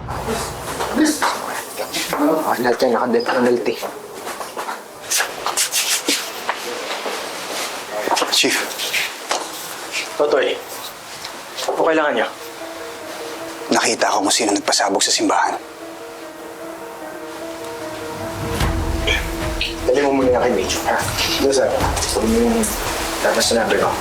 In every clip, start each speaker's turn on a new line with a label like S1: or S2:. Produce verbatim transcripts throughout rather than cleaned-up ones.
S1: Ah, lahat yan naka-death penalty.
S2: Chief.
S1: Totoy, ano kailangan niyo?
S2: Nakita ko kung sino nagpasabog sa simbahan.
S1: Dali mo muna kay Mitch, ha? Doon, sir. Sabi mo yung dapat sinabi ko.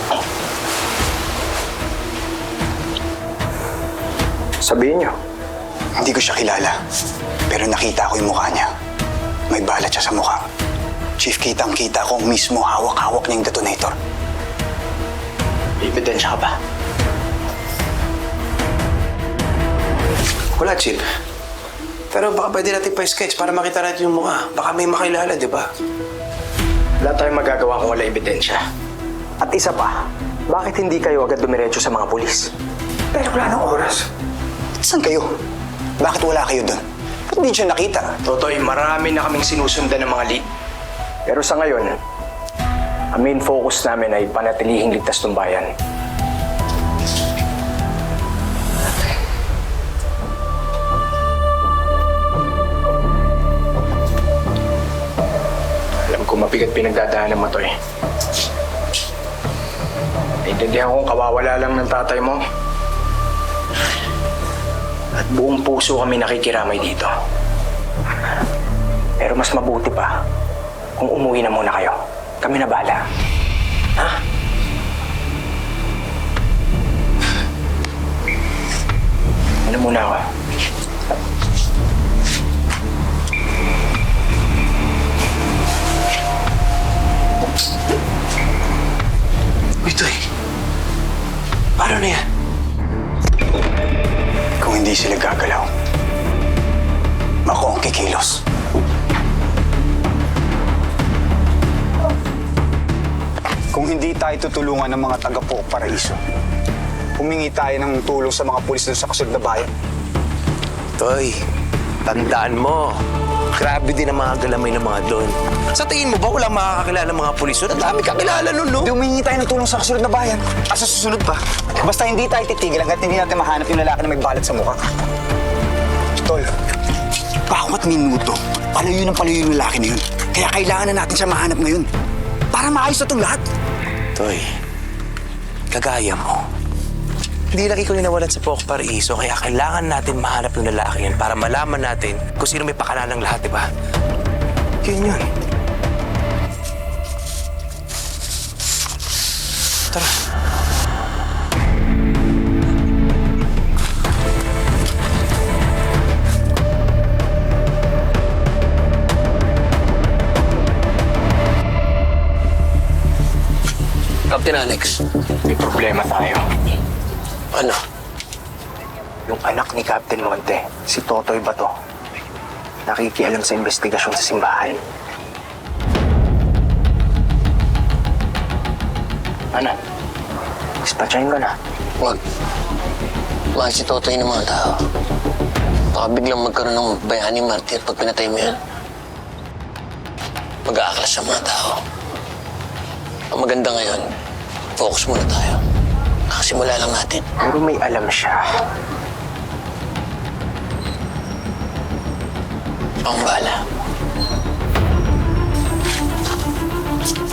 S1: Sabihin niyo.
S2: Hindi ko siya kilala, pero nakita ko yung mukha niya. May balat siya sa mukha. Chief, kitang-kita ko mismo hawak-hawak niya yung detonator.
S1: Ebidensya ka ba?
S3: Wala, Chief. Pero baka pwede natin pa-sketch para makita natin yung mukha. Baka may makilala, di ba?
S1: Wala tayong magagawa kung wala ebidensya. At isa pa, bakit hindi kayo agad dumiretso sa mga pulis?
S2: Pero wala nang oras. Saan kayo? Bakit wala kayo doon? Ba't hindi siya nakita?
S1: Totoy, marami na kaming sinusundan ng mga lead. Pero sa ngayon, ang main focus namin ay panatilihing ligtas ng bayan. Alam ko mabigat pinagdadaanan mo to eh. Naintindihan kong kawawala lang ng tatay mo. At buong puso kami nakikiramay dito. Pero mas mabuti pa kung umuwi na muna kayo. Kami na bahala. Ha? Ano muna ako?
S3: Uy, Toy. Paano na yan?
S2: Kung hindi sila gagalaw, ako ang kikilos. Kung hindi tayo tutulungan ng mga taga-Pook Paraiso, humingi tayo ng tulong sa mga pulis doon sa kasunod na bayan.
S3: Toy, tandaan mo. Grabe din ang mga galamay ng mga doon. Sa tingin mo ba walang makakakilala ng mga pulis doon? Ang dami kakilala nun, no?
S2: Hindi humingi tayo ng tulong sa kasunod na bayan. At sa susunod pa, basta hindi tayo titigil hanggat hindi natin mahanap yung lalaki na may balat sa mukha. Tol, bawat minuto, palayo ng palayo yung lalaki na yun. Kaya kailangan na natin siya mahanap ngayon. Para maayos na itong lahat.
S3: Toy, kagaya mo. Hindi lagi ko ninawalan sa Pook Paraiso, kaya kailangan natin mahanap yung lalaki yan para malaman natin kung sino may pakalanan ng lahat, di ba? Yun yun. Tara. Captain Alex.
S1: May problema tayo.
S3: Ano?
S1: Yung anak ni Captain Monte, si Totoy Bato, nakikialam sa investigasyon sa simbahan. Ano? Dispatchahin ko na.
S4: Wag. Mahal si Totoy ng mga tao. Baka biglang magkaroon ng bayani martir pag pinatay mo yan. Mag-aaklas sa mga tao. Ang maganda ngayon, focus muna tayo. Nakasimula lang natin.
S1: Pero may alam siya.
S4: Ako ang bahala.